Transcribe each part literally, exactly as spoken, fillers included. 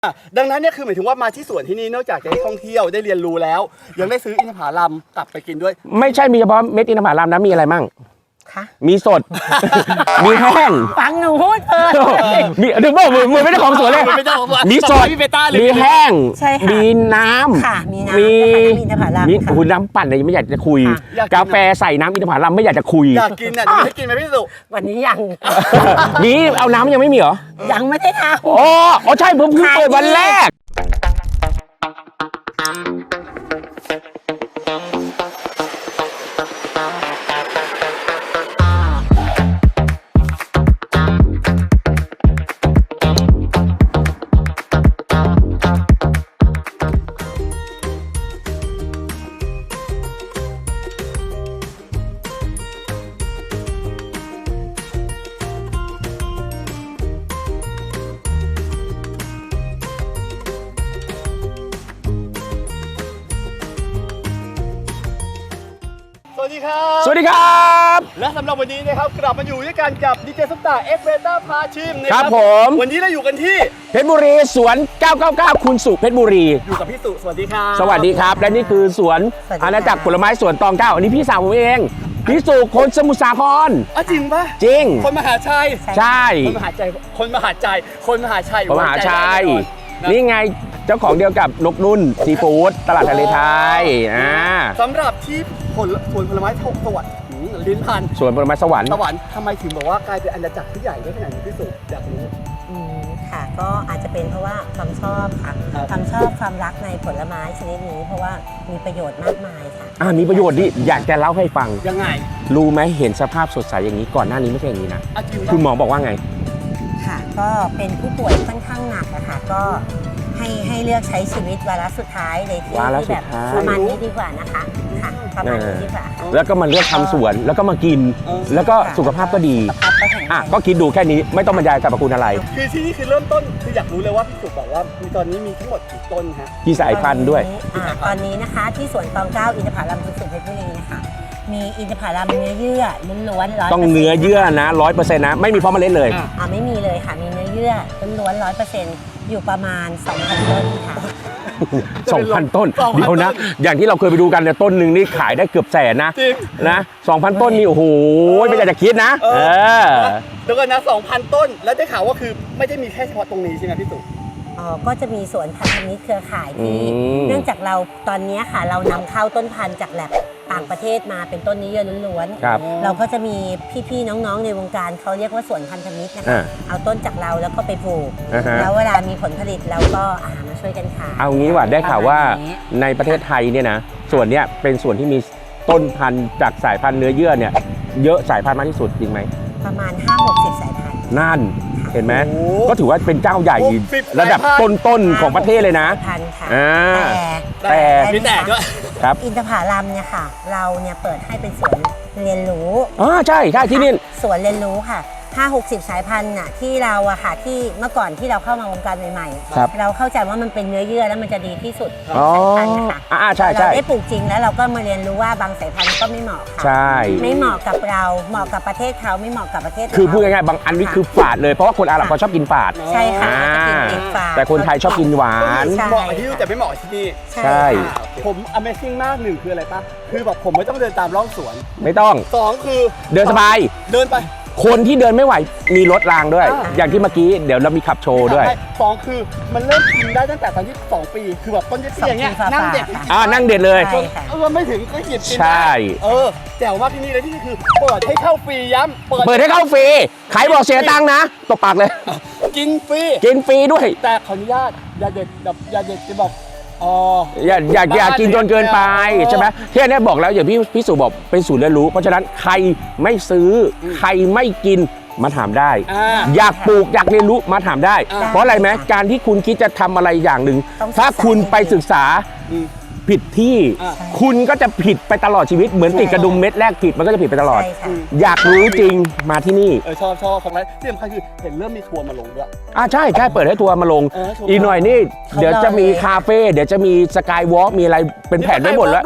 ดังนั้นเนี่ยคือหมายถึงว่ามาที่สวนที่นี่นอกจากจะได้ท่องเที่ยวได้เรียนรู้แล้วยังได้ซื้ออินทผลัมกลับไปกินด้วยไม่ใช่มีเฉพาะเม็ดอินทผลัมนะมีอะไรมั่งมีสด มีแห้งฟังหนูพูดเออมีถึงบอกมือมือไม่ได้ของสวนเลยมีสดมีแห้งมีน้ำค่ะมีน้ำมีอินทผลัมมีหุ่นน้ำปั่นอะไรไม่อยากจะคุยกาแฟใส่น้ำอินทผลัมไม่อยากจะคุยอยากกินอ่ะจะไม่กินไหมพี่สุวันนี้ยังมีเอาน้ำยังไม่มีเหรอยังไม่ได้ทำอ๋ออ๋อใช่ผมเพิ่งเปิดวันแรกสวัสดีครับสวัสดีครับและสำหรับวันนี้นะครับกลับมาอยู่ด้วยกันกับดีเจซุปตาเอ็กเบต้าพาชิมนะครับผมวันนี้เราอยู่กันที่เพชรบุรีสวนเก้าเก้าเก้าคุณสุเพชรบุรีอยู่กับพี่สุสวัสดีครับสวัสดีครับและนี่คือสวนอาณาจักรผลไม้สวนตองเก้าอันนี้พี่สาวผมเองพี่สุคนสมุทรสาครอ๋อจริงปะจริงคนมหาชัยใช่คนมหาชัยคนมหาชัยคนมหาชัยคนมหาชัยนี่ไงเจ้าของเดียวกับนกนุ่นซีฟู้ดตลาดทะเลไทยอ่าสำหรับที่ผลสวนผลไม้สวัสดิ์ลิ้นพันสวนผลไม้สวรรค์สวรรค์ทำไมถึงบอกว่ากลายเป็นอาณาจักรที่ใหญ่ได้ขนาดนี้พี่สุอยากรู้อืมค่ะก็อาจจะเป็นเพราะว่าความชอบค่ะความชอบความรักในผลไม้ชนิดนี้เพราะว่ามีประโยชน์มากมายค่ะอ่ามีประโยชน์ดิอยากจะเล่าให้ฟังยังไงรู้ไหมเห็นสภาพสดใสอย่างนี้ก่อนหน้านี้ไม่ใช่อย่างนี้นะคุณหมอบอกว่าไงค่ะก็เป็นผู้ป่วยค่อนข้างหนักนะคะก็ให้ให้เลือกใช้ชีวิตวาระสุดท้ายในที่ที่แบบประมาณนี้ดีกว่านะคะค่ะประมาณนี้ดีกว่าแล้วก็มาเลือกทำสวนแล้วก็มากินแล้วก็สุขภาพก็ดีอ่ะก็คิดดูแค่นี้ไม่ต้องบรรยายสรรพคุณอะไรคือที่นี่คือเริ่มต้นคืออยากรู้เลยว่าพี่สุบอกว่ามีตอนนี้มีทั้งหมดกี่ต้นฮะกี่สายพันธุ์ด้วยตอนนี้นะคะที่สวนตองเก้าอินทผลัมคุณสุเพชรบุรีนะคะมีอินทผลัมเนื้อเยื่อล้วนๆต้องเนื้อเยื่อนะร้อยเปอร์เซ็นต์นะไม่มีเพราะเมล็ดเลยอ่าไม่มีเลยค่ะมีเนื้อเยื่อล้วนๆร้อยเปอร์เซ็นต์อยู่ประมาณ สองพัน ต้นค่ะสองพัน ต้นเดี๋ยวนะอย่างที่เราเคยไปดูกันเนี่ยต้นหนึ่งนี่ขายได้เกือบแสนนะนะ สองพัน ต้นนี่โอ้โหไม่อยากจะคิดนะเออเดี๋ยวก่อนนะ สองพัน ต้นแล้วได้ข่าวว่าคือไม่ได้มีแค่เฉพาะตรงนี้ใช่ไหมพี่สุอ๋อก็จะมีสวนพันธมิตรเครือข่ายที่เนื่องจากเราตอนนี้ค่ะเรานำเข้าต้นพันธุ์จากแลบต่างประเทศมาเป็นต้นนี้เยอะล้วนๆเราก็จะมีพี่ๆน้องๆในวงการเขาเรียกว่าสวนพันธมิตรนะคะเอาต้นจากเราแล้วก็ไปปลูกแล้วเวลามีผลผลิตเราก็อามาช่วยกันขายเอางี้ว่าได้ข่าวว่าในประเทศไทยเนี่ยนะส่วนเนี้ยเป็นส่วนที่มีต้นพันธุ์จากสายพันธุ์เนื้อเยื่อเนี่ยเยอะสายพันธุ์มากที่สุดจริงไหมประมาณ ห้าหกสิบ สายพันธุ์นั่นเห็นไหมก็ถือว่าเป็นเจ้าใหญ่ระดับต้นๆของประเทศเลยนะแต่มีแต่ด้วยครับอินทผลัมเนี่ยค่ะเราเนี่ยเปิดให้เป็นสวนเรียนรู้อ๋อใช่ใช่ที่นี่สวนเรียนรู้ค่ะ ห้าหกสิบ สายพันธุ์น่ะที่เราอะค่ะที่เมื่อก่อนที่เราเข้ามาวงการใหม่ๆเราเข้าใจว่ามันเป็นเนื้อเยื่อแล้วมันจะดีที่สุดสายพันธุ์นะคะอ่าใช่ใช่เราได้ปลูกจริงแล้วเราก็มาเรียนรู้ว่าบางสายพันธุ์ก็ไม่เหมาะค่ะใช่ไม่เหมาะกับเราเหมาะกับประเทศเขาไม่เหมาะกับประเทศคือพูดง่ายๆบางอันนี้คือฝาดเลยเพราะว่าคนอาหรับเขาชอบกินฝาดใช่ค่ะแต่คนไทยชอบกินหวานเหมาะที่แต่ไม่เหมาะที่นี่ใช่ผม Amazing มากหนึ่งคืออะไรปะคือแบบผมไม่ต้องเดินตามร่องสวนไม่ต้องสองคือเดินสบายเดินไปคนที่เดินไม่ไหวมีรถรางด้วยอย่างที่เมื่อกี้เดี๋ยวเรามีขับโชว์ด้วยสองคือมันเริ่มกินได้ตั้งแต่ตอนที่สองปีคือแบบต้นเตี้ยอย่างเงี้ยนั่งเด็ดอ่านั่งเด็ดเลยเออไม่ถึงก็หยิบกินได้เออแจ๋วมากที่นี่เลยที่นี่คือเปิดให้เข้าฟรีย้ำเปิดให้เข้าฟรีใครบอกเสียตังค์นะตบปากเลยกินฟรีกินฟรีด้วยแต่ขออนุญาตอย่าเด็ดแบบอย่าเด็ดจะบอกอ๋ออย่าอย่าอย่ากินจนเกินไปใช่ไหมที่นี่บอกแล้วอย่างพี่พี่สุบอกเป็นศูนย์เรียนรู้เพราะฉะนั้นใครไม่ซื้อใครไม่กินมาถามได้อยากปลูกอยากเรียนรู้มาถามได้เพราะอะไรไหมการที่คุณคิดจะทำอะไรอย่างหนึ่งถ้าคุณไปศึกษาผิดที่คุณก็จะผิดไปตลอดชีวิตเหมือนติดกระดุมเม็ดแรกผิดมันก็จะผิดไปตลอดอยากรู้จริงมาที่นี่เออชอบชอบของอะไรที่สำคัญคือเห็นเริ่มมีทัวร์มาลงด้วยอ่าใช่ใช่เปิดให้ทัวร์มาลงอีกหน่อยนี่เดี๋ยวจะมีคาเฟ่เดี๋ยวจะมีสกายวอล์กมีอะไรเป็นแผนไว้หมดแล้ว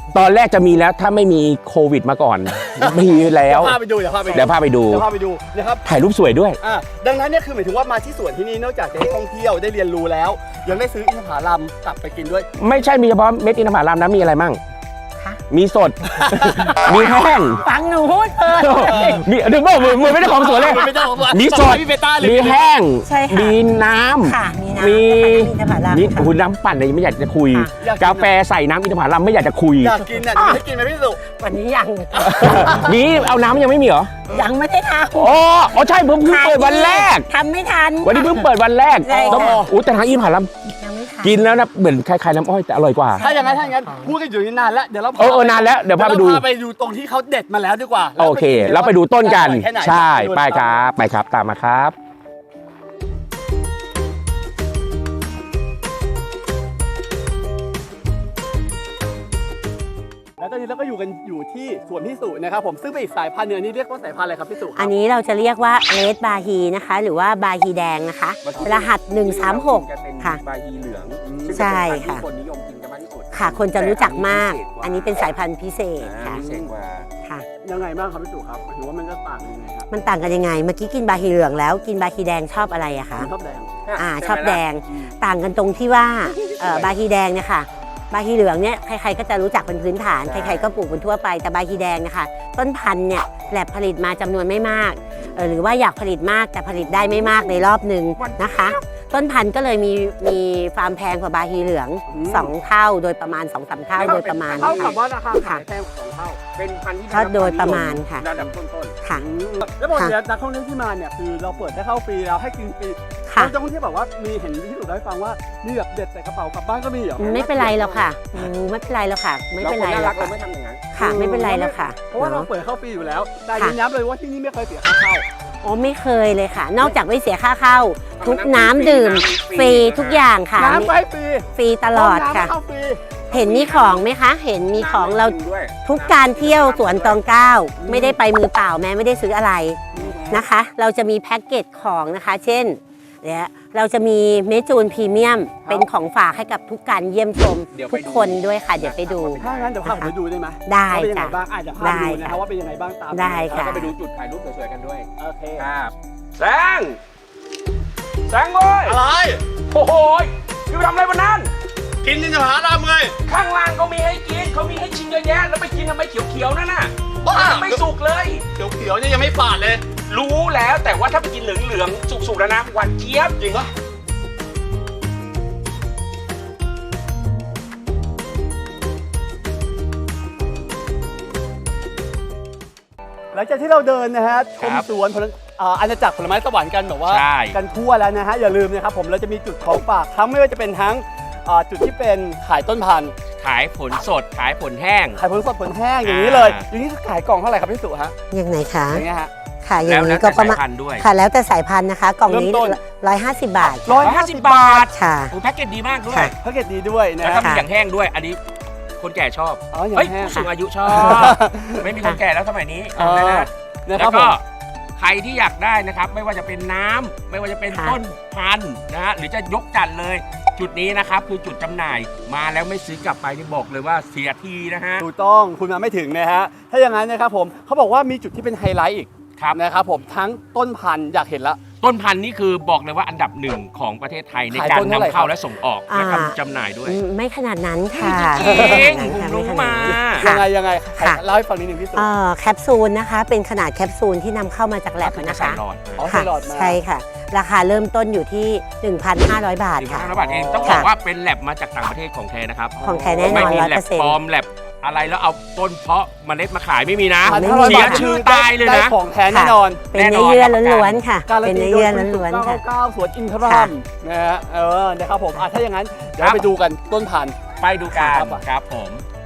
ตอนแรกจะมีแล้วถ้าไม่มีโควิดมาก่อน มีแล้วเดี๋ยวพาไปดูเดี๋ยวพาไปดูเดี๋ยวพาไปดูเดี๋ยวพาไปดูนะครับถ่ายรูปสวยด้วยอ่าดังนั้นเนี่ยคือหมายถึงว่ามาที่สวนที่นี่นอกจากจะได้ท่องเที่ยวได้เรียนรู้แล้ว ยังได้ซื้ออินทผลัมกลับไปกินด้วยไม่ใช่มีเฉพาะเม็ดอินทผลัมนะมีอะไรมั่งคะมีสด มีแห้งฟังหนูพูดเถอะมีดึงบอกมือมือไม่ได้ของสวนเลยไม่ได้ของสวนมีสดพี่เบต้าเลยมีแห้งใช่ค่ะมีน้ำค่ะมีน้ำมีอินทผลัมนี่ค่ะคุณน้ำปั่นเนี่ยไม่อยากจะคุยค่ะอยากกินกาแฟใส่น้ำอินทผลัมไม่อยากจะคุยอยากกินอ่ะจะให้กินไหมพี่สุวันนี้ยังนี่เอาน้ำยังไม่มีเหรอยังไม่ได้ทำอ๋ออ๋อใช่เพิ่งเพิ่งเปิดวันแรกทำไม่ทันวันนี้เพิ่งเปิดวันแรกใช่ค่ะต้องอู้แต่ทางอินทผลัมยังไม่ทันกินแล้วนะเหมือนคล้ายๆน้ำอ้อยแต่อร่อยกว่าถ้าอย่างนั้นถ้าอย่างนั้นพูดกันอยู่นี่นานแล้วเดี๋ยวเราเออเออนานแล้วเดี๋ยวพาไปดูเเราพาไปดูตรงที่เขาเด็ดมาแล้วดีกว่าโอเค เราไปดูต้นกันอร่อยแค่ไหนใช่ดูไปครับ ไปครับ ตามมาครับแล้วตอนนี้เราก็อยู่กันอยู่ที่สวนพี่สุนะครับผมซึ่งเป็นอีกสายพันธุ์หนึงอันนี้เรียกว่าสายพันธุ์อะไรครับพี่สุครับอันนี้เราจะเรียกว่าเลดบาฮีนะคะ หรือว่าบาฮีแดงนะคะ รหัสหนึ่งสามหกค่ะบาฮีเหลืองใช่ค่ะคนนิยมกินกันมากที่สุดค่ะ คนจะรู้จักมาก อันนี้เป็นสายพันธุ์พิเศษค่ะพิเศษกว่าค่ะยังไงบ้างครับพี่สุครับหมายถึงว่ามันจะต่างยังไงครับมันต่างกันยังไง เมื่อกี้กินบาฮีเหลืองแล้วกินบาฮีแดงชอบอะไรอะคะผมชอบแดงอ่าชอบแดง ต่างกันตรงที่ว่าเอ่อบาฮีแดงเนี่ยค่ะ บาฮีเหลืองเนี่ยใครๆก็จะรู้จักเป็นพื้นฐาน ใครๆก็ปลูกเป็นทั่วไป แต่บาฮีแดงเนะคะต้นพันธุ์เนี่ยแลบผลิตมาจำนวนไม่มากเออหรือว่าอยากผลิตมากแต่ผลิตได้ไม่มากในรอบหนึ่งนะคะ ต้นพันธุ์ก็เลยมีมีฟาร์มแพงกว่าบาฮีเหลืองสองเท่าโดยประมาณ สองสาม เท่าโดยประมาณเท่ากับค่ะว่าราคาขายแพงกว่าสองเท่าเป็นพันธุ์ที่ก็โดยประมาณค่ะระดับต้นค่ะอืมแล้วบอกเดี๋ยวนักท่องเที่ยวที่มาเนี่ยคือเราเปิดให้เข้าฟรีแล้วให้กินฟรีค่ะนักท่องเที่ยวแบบว่ามีเห็นที่สุดได้ฟังว่ามีแบบเด็ดใส่กระเป๋ากลับบ้านก็มีเหรอไม่เป็นไรแล้วค่ะอืมไม่เป็นไรแล้วค่ะๆไม่เป็นไราคแล้วเราค่ะไม่ทำอย่างนั้นค่ะ ไม่เป็นไรแล้วค่ะเพราะว่าเราเนาะเปิดเข้าฟรีอยู่แล้ว แต่ค่ะยืนยันเลยว่าที่นี่ไม่เคยเสียค่าเข้าอ๋อไม่เคยเลยค่ะ นอกจากไม่เสียค่าเข้า ทุกน้ำดื่มฟรีทุกอย่างค่ะน้ำก็ให้ฟรีฟรีตลอดค่ะห้งน้ำก็เข้าฟรีเห็นมีของไหมคะ เห็นมีของเราด้วยทุกการเที่ยวสวนตองเก้าไม่ได้ไปมือเปล่าแม้ไม่ได้ซื้ออะไรนะคะ เราจะมีแพ็กเกจของนะคะ เช่นเนี่ยเราจะมีเมจูนพรีเมียมเป็นของฝากให้กับทุกการเยี่ยมชมทุกคนด้วยค่ะ เดี๋ยวไปดูถ้างั้นเดี๋ยวพาผมไปดูได้ไหมได้ว่าเป็นยังไงจ้ะบ้างอาจจะพาได้ไปดูนะครับค่ะว่าเป็นยังไงบ้างตามได้ค่ะแล้วก็ไปดูจุดถ่ายรูปสวยๆกันด้วยโอเคครับแซงแซงโว้ยอะไรโอ้โหยพี่ไปทำอะไรวันนั้นกินนินทผลัมเลยข้างล่างเขามีให้กินเขามีให้ชิมเยอะแยะแล้วไปกินทำไมเขียวๆนั่นน่ะบ้าไม่สุกเลยเขียวๆเนี่ยยังไม่ฝาดเลยรู้แล้วแต่ว่าถ้าไปกินเหลืองๆสุกๆแล้วนะหวานเจี๊ยบจริงปะหลังจากที่เราเดินนะฮะชมสวนผลอ่าอาณาจักรผลไม้สวรรค์กันแบบว่าใช่กันทั่วแล้วนะฮะอย่าลืมนะครับผมเราจะมีจุดของฝากทั้งไม่ว่าจะเป็นทั้งอ่าจุดที่เป็นขายต้นพันธุ์ขายผลสดขายผลแห้งขายผลสดผลแห้งอย่างนี้เลย อย่างนี้ขายกล่องเท่าไหร่ครับพี่สุฮะอย่างไหนคะอย่างเงี้ยฮะค่ะอแล้ย่าว งแล้นี้วก็แต่ประสายมาณพันธุ์ด้วยค่ะแล้วแต่สายพันธุ์นะคะ กล่องนี้เริ่มต้นร้อยห้าสิบบาทร้อยห้าห้าสิสิบบบาบาททค่ะโอ้แพ็กเกจดีมากด้วยค่ะแพ็กเกจดีด้วยนะแล้วฮะก็มีอย่างแห้งด้วย อันนี้คนแก่ชอบอ๋ออย่างเฮ้ยแห้งผู้สูงอายุชอบ ไม่มีคนแก่แล้วสมัยนี้เออนะนะแล้ครับวผก็มใครที่อยากได้นะครับ ไม่ว่าจะเป็นน้ำไม่ว่าจะเป็นค่ะต้นพันธุ์นะฮะหรือจะยกจัดเลย จุดนี้นะครับคือจุดจำหน่ายมาแล้วไม่ซื้อกลับไปนี่บอกเลยว่าเสียทีนะฮะถูกต้องคุณมาไม่ถึงนะฮะถ้าอย่างนั้นนะครับผมเขาบอกว่ามีจุดที่เป็นไฮไลท์อีกครับนะครับผมทั้งต้นพันธุ์อยากเห็นละต้นพันธุ์นี่คือบอกเลยว่าอันดับหนึ่งของประเทศไทยในขายการต้นเท่าไหร่นำเข้าครับและส่งออกและอ่าทำจำหน่ายด้วยอืมไม่ขนาดนั้นค่ะจริงไม่ขนาดนั้นผมค่ะรู้ไขนดมานั้นยังไงยังไงค่ะเล่าให้ฟังนิดนึงพี่สุเอ่อแคปซูลนะคะ เป็นขนาดแคปซูลที่นำเข้ามาจากแลบคือนะใส่คะหลอดอ๋อค่ะใส่หลอดมาใช่ค่ะ ราคาเริ่มต้นอยู่ที่ หนึ่งพันห้าร้อย บาทหนึ่งพัค่ะนห้าร้อยบาทเองต้องบค่ะอกว่าเป็นแลบมาจากต่างประเทศของแท้นะครับของแท้แน่นไม่อนมีร้อยแลเปอบ ร์เซ็นปลอต์มแลบอะไรแล้วเอาต้นเพาะเมล็ดมาขายไม่มีนะพันไม่ห้าร้อยมีเสียบาทชื่อได้ตายเลยได้นะของแท้แน่นอนเป็นเนื้อเยื่อล้วนๆค่ะการันเป็นตีเนื้อโดเยื่ยอคุณล้วนสุๆค่ะเก้าเก้าสวนอินทรัค่ะมนะฮะเออนะครับผมอ่ะถ้าอย่างนั้นเดี๋ยวครับไปดูกันต้นพันธุ์ไปดูกันครับครับผม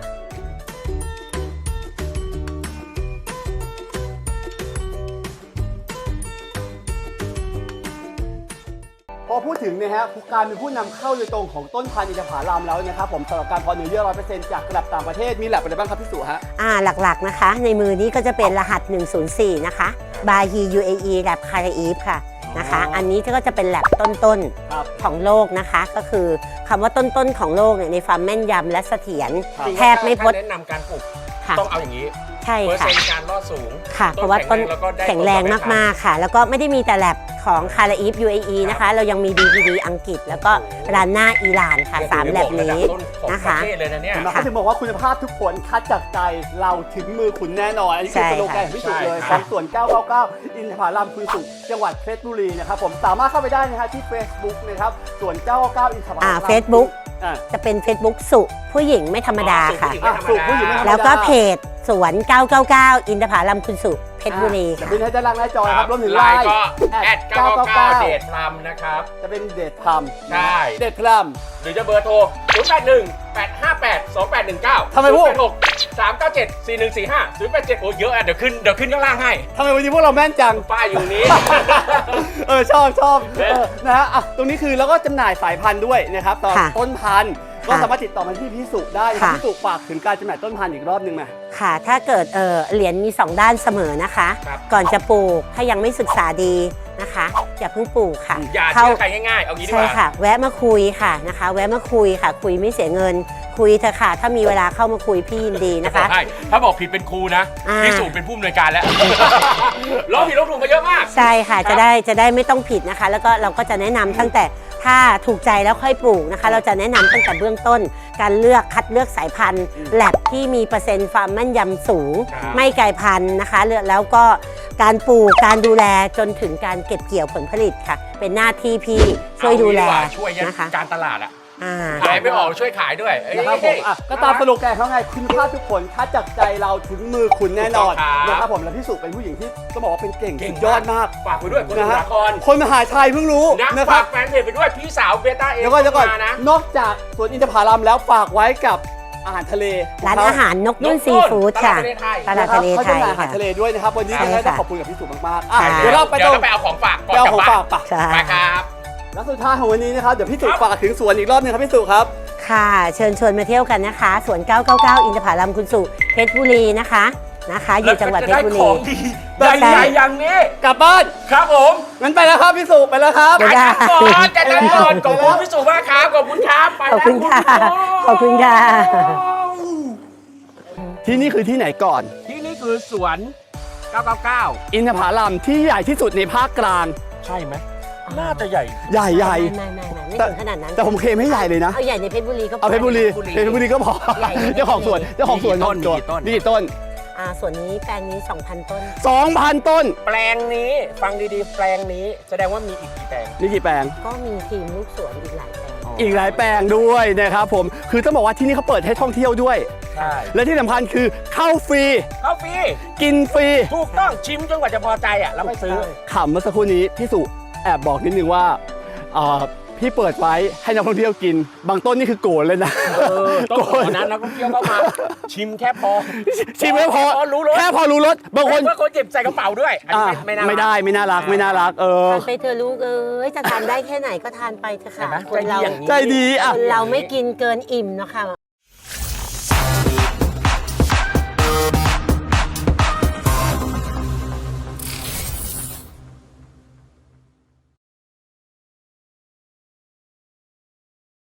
พอพูดถึงนะฮะการเป็นผู้นำเข้าโดยตรงของต้นพันธุ์อินทผลัมแล้วนะครับผมสำหรับการเพาะเนื้อเยื่อร้อยเปอร์เซ็นต์จากระดับต่างประเทศมีแลบอะไรบ้างครับพี่สุฮะอ่าหลักๆนะคะ ในมือนี้ก็จะเป็นรหัส หนึ่งศูนย์สี่ นะคะ บาฮี ยู เอ อี แลบคาราอีฟค่ะนะคะ อันนี้ก็จะเป็นแลบต้นครับๆของโลกนะคะ ก็คือคำว่าต้นๆของโลกเนี่ยในความแม่นยำและเสถียรครับแทบไม่พดถ้าแนะนำการปลูกค่ะต้องเอาอย่างนี้ใช่เปอร์ค่ะเซ็นต์การรอดสูงค่ะ เพราะว่าต้นแล้วก็ได้แข็งแรงมากๆค่ะ แล้วก็ไม่ได้มีแต่แลบของคาราอีฟ ยู เอ อี นะคะ เรายังมี ดี พี ดี อังกฤษ แล้วก็รานน่าอิหร่านค่ะสามแลบนี้ต้นของนะปคะระเทศเลยนะเนี่ยเห็นไหมเขาถึงบอกว่าคุณภาพทุกผลคัดจากใจเราถึงมือคุณแน่นอน อันนี้คือใช่สโลแกนของพี่สุเลยใช่ของสวน เก้าเก้าเก้า อินทผลัมคุณสุจังหวัดเพชรบุรีนะครับผมสามารถเข้าไปได้นะฮะที่ Facebook นะครับสวน เก้าเก้าเก้า อินทผลัมอ่า Facebook อ่าจะเป็น Facebook สุผู้หญิงไม่ธรรมดาค่ะอ่ะสุผู้หญิงไม่ธรรมดาแล้วก็เพจสวน เก้าเก้าเก้า อินทผลัมคุณสุเพชรบุรีจะค่ะขึ้นให้ด้านล่างหน้าจอนะครับรวมถึงไลไลน์น์ก็แอดเก้าเก้าเก้าเดเดทพลัมนะครับจะเป็นเดทพลัมใช่เดทพลัมหรือจะเบอร์โทร ศูนย์ แปด หนึ่ง แปด ห้า แปด สอง แปด หนึ่ง เก้าทำไมพวกศูนย์ แปด หก สาม เก้า เจ็ด สี่ หนึ่ง สี่ ห้า ศูนย์ แปด เจ็ด โอ้เยอะอ่ะ เดี๋ยวขึ้น เดี๋ยวขึ้นข้างล่างให้ทำไมวันนี้พวกเราแม่นจังป้ายอยู่นี้เออชอบชอบเออนะฮะอ่ะตรงนี้คือแล้วก็จำหน่ายสายพันธุ์ด้วยนะครับตอนค่ะต้นพันธุ์ก็ค่ะสามารถติดต่อมาที่พี่สุได้นะครับค่ะพี่สุฝากถึงการจำหน่ายต้นพันธุ์อีกรอบหนึงไหมค่ะ ถ้าเกิดเออเหรียญมี สอง ด้านเสมอนะคะครับก่อนจะปลูก ถ้ายังไม่ศึกษาดีนะคะ อย่าเพิ่งปลูกค่ะอย่าเข้าเชื่อใครง่ายๆ เอางี้ดีกใช่ว่าค่ะ แวะมาคุยค่ะนะคะ แวะมาคุยค่ะ คุยไม่เสียเงิน คุยเถอะค่ะ ถ้ามีเวลาเข้ามาคุยพี่ยินดีนะคะใช่ถ้าบอกผิดเป็นครูนะอ่าพี่สูเป็นผู้อำนวยการแล้วร้องผิดร้องถูกมาเยอะมากใช่ค่ะครับจะได้จะได้ไม่ต้องผิดนะคะ แล้วก็เราก็จะแนะนำตั้งแต่ถ้าถูกใจแล้วค่อยปลูกนะคะ เราจะแนะนำตั้งแต่เบื้องต้น การเลือกคัดเลือกสายพันธุ์แลบที่มีเปอร์เซ็นต์ความแม่นยำสูงครับไม่ไกลพันธุ์นะคะแล้วก็การปลูกการดูแลจนถึงการเก็บเกี่ยวผลผลิตค่ะ เป็นหน้าที่พี่ช่วยดูแลเอางี้กว่าช่วยยันนะคะการตลาดอะอ่าขายไม่ออกช่วยขายด้วยเอ้ยนะครับผมอ่ะก็ตามสโลแกนเขาไงคุณภาพทุกผลคัดจากใจเราถึงมือคุณแน่นอนถูกต้องครับนะครับผมและพี่สุเป็นผู้หญิงที่ต้องบอกว่าเป็นเก่งเก่งสุดยอดมากฝากไปด้วยคนนะสฮะาครคนมหาชัยเพิ่งรู้นะนะคฝารับกแฟนเพจไปด้วยพี่สาวเบต้าเองเดี๋ยวก่อนเดี๋ยวก่อนมานะนอกจากสวนอินทผลัมแล้วฝากไว้กับอาหารทะเลร้านอาหารนกนุ่นนกนุ่นซีฟู้ดค่ะตลาดทะเลไทยตลาดทะเลเขาไทจะยมีอาหารค่ะทะเลด้วยนะครับวันนี้ใช่ยังไงต้องค่ะขอบคุณกับพี่สุมากๆอ่ะค่ะเดี๋ยวเราไปเดี๋ตยวรงเราไปเอาของฝากก่อนไปเอากลับของบ้าฝาน กปะใช่ไปครับแล้วสุดท้ายของวันนี้นะครับเดี๋ยวพี่สุครับฝากถึงสวนอีกรอบหนึงครับพี่สุครับค่ะเชิญชวนมาเที่ยวกันนะคะสวน เก้าเก้าเก้า อินทผลัมคุณสุเพชรบุรีนะคะนะคะ อยู่จังหวัดเพชรบุรีได้ของดีใหญ่ๆอย่างนี้กลับบ้านครับผมงั้นไปแล้วครับพี่สุไปแล้วครับเดี๋ยวได้ก่อนจัดการก่อนขอบคุณพี่สุมากครับขอบคุณครับไปขอบคุณค่ะแล้วขอบคุณค่ะที่นี่คือที่ไหนก่อนที่นี่คือสวนเก้าเก้าเก้าอินทผลัมที่ใหญ่ที่สุดในภาคกลางใช่ไหมน่าจะใหญ่ใหญ่ใหญ่ไม่ไม่ไม่ไม่แต่ถึงขนาดนั้นแต่ผมเคลมไม่ใหญ่เลยนะเอาใหญ่ในเพชรบุรีก็พอเอาเพชรบุรีเพชรบุรีเพชรบุรีก็พอใหญ่ในเพชรบุรีเจ้าของสวนเจ้าของสวนมีกี่ต้นตัวมีกี่ต้นมีกี่ต้นอ่าส่วนนี้แปลงนี้ สองพัน ต้นสองพัน ต้นแปลงนี้ฟังดีๆ แปลงนี้แสดงว่ามีอีกกี่แปลงนี่กี่แปลงก็มีทีมลูกสวนอีกหลายแปลงอีกหลายแปลงด้วยนะครับผมคือต้องบอกว่าที่นี่เขาเปิดให้ท่องเที่ยวด้วยใช่และที่สำคัญคือเข้าฟรีเข้าฟรีกินฟรีถูกต้องชิมจนกว่าจะพอใจอ่ะแล้วไม่ซื้อขำเมื่อสักครู่นี้พี่สุแอบบอกนิดนึงว่าเอ่อพี่เปิดไว้ให้นักท่องเที่ยวกิน บางต้นนี่คือโกรธเลยนะเออต้องขอนั้นนักท่องเที่ยวเข้ามา ชิมแค่พอชิมไม่พอแค่รู้รสแค่พอรู้รสบางคนเพื่อคนเจ็บใส่กระเป๋าด้วยอันนี้อ่ะไม่ไม่น่าไม่ได้ไม่น่ารักไม่น่ารักเออทานไปเธอะลูกเอ้ยจะทานได้แค่ไหนก็ทานไปเถอะเห็นค่ะไหมคนเราใจดีอย่างนี้ใจดีอ่ะคนเราไม่กินเกินอิ่มเนาะค่ะ